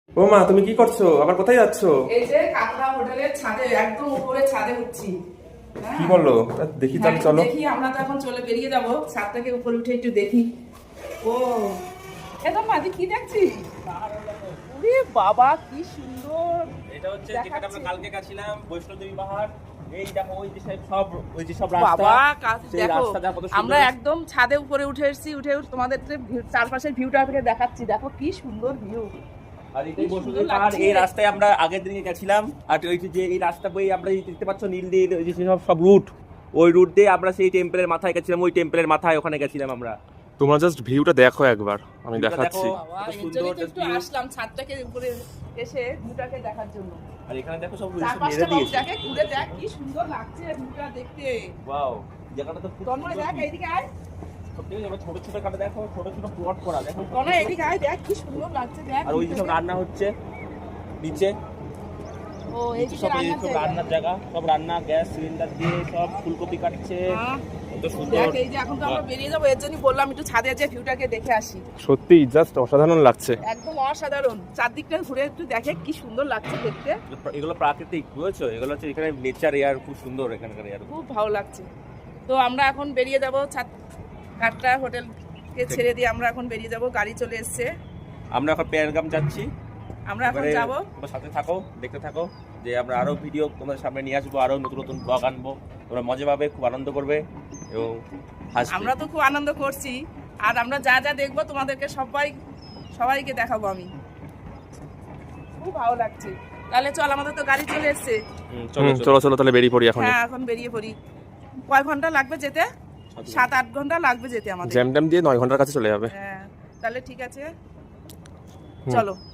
ও মা, তুমি কি করছো? আবার কোথায় যাচ্ছো? এই যে কাকড়া হোটেলের ছাদে, একদম উপরে ছাদে উঠছি। হ্যাঁ, কি বললো? তা দেখি, তাহলে একটু চলো। দেখি, আমরা তো এখন চলে বেরিয়ে যাব, ছাদ থেকে উপরে উঠে একটু দেখি। ও একদম মাঝে কি দেখছি? ওরে বাবা, কি সুন্দর! এটা হচ্ছে যেখানে আমরা কালকে গেছিলাম, বৈষ্ণোদেবী পাহাড়। এই দেখো, ওই যে সব রাস্তা, বাবা সেই দেখো, রাস্তাটা কত সুন্দর। আমরা একদম ছাদে উপরে উঠে এসেছি, উঠে তোমাদের চারপাশের ভিউটা থেকে দেখাচ্ছি। দেখো কি সুন্দর ভিউ। আর এটাই বৈষ্ণোদেবী পাহাড়। এই রাস্তায় আমরা আগের দিনে গেছিলাম। আর ওই যে এই রাস্তা বই আমরা দেখতে পাচ্ছ নীল নীল, ওই যে সব রুট, ওই রুট দিয়ে আমরা সেই টেম্পলের মাথায় গেছিলাম। ওই টেম্পলের মাথায় ওখানে গেছিলাম আমরা। তোমরা জাস্ট ভিউটা দেখো একবার, আমি ভিউটা দেখাচ্ছি। দেখো। বাবা, কত এর সুন্দর জন্যই তো একটু view। আসলাম ছাদটাকে উপরে এসে ভিউটাকে দেখার জন্য। আর এখানে দেখো সব চারপাশটা মেরে দিয়েছে। দেখে ঘুরে দেখ, কি সুন্দর লাগছে ভিউটা দেখতে। ওয়াও, জায়গাটা তো খুব তন্ময় দেখ, এইদিকে আয়। সত্যি আমরা ছোট ছোট কাটা দেখো, ছোট ছোট প্লট করা দেখো। তন্ময় এইদিকে আয়, দেখ কি সুন্দর লাগছে, দেখ। আর ওই যে সব রান্না হচ্ছে নিচে, ও এইদিকে সব এই রান্নার সব জায়গা। রান্নার জায়গা, সব রান্না গ্যাস সিলিন্ডার দিয়ে সব ফুলকপি কাটছে। হ্যাঁ। কত সুন্দর। দেখ, এই যে এখন তো আমরা বেরিয়ে যাবো, এর জন্যই বললাম একটু ছাদে যে ভিউটাকে দেখে আসি। সত্যি জাস্ট অসাধারণ লাগছে। একদম অসাধারণ, চারদিকটা ঘুরে একটু দেখে কি সুন্দর লাগছে দেখতে। এগুলো প্রাকৃতিক, বুঝেছো? এগুলো হচ্ছে এখানে নেচার এয়ার, খুব সুন্দর এখানকার এয়ার। খুব ভালো লাগছে। তো আমরা এখন বেরিয়ে যাব, ছাদ কাটরা হোটেলকে ছেড়ে দিয়ে আমরা এখন বেরিয়ে যাব, গাড়ি চলে এসছে। আমরা এখন পেহেলগাম যাচ্ছি। আমরা এখন এবারে যাব। তোমরা সাথে থাকো, দেখতে থাকো, যে আমরা আরো ভিডিও তোমাদের সামনে নিয়ে আসবো, আরো নতুন নতুন ব্লগ আনবো। তোমরা মজা পাবে, খুব আনন্দ করবে এবং হাসবে। আমরা তো খুব আনন্দ করছি, আর আমরা যা যা দেখবো তোমাদেরকে সবাইকে দেখাবো আমি। খুব ভালো লাগছে। তাহলে চল, আমাদের তো গাড়ি চলে এসছে। চলো চলো। চলো চলো, তাহলে বেরিয়ে পড়ি এখন। হ্যাঁ, এখন বেরিয়ে পড়ি। কয় ঘন্টা লাগবে যেতে? 7-8 ঘন্টা লাগবে যেতে আমাদের। জ্যাম ট্যাম দিয়ে 9 ঘন্টার কাছে চলে যাবে। হ্যাঁ, তাহলে ঠিক আছে, চলো।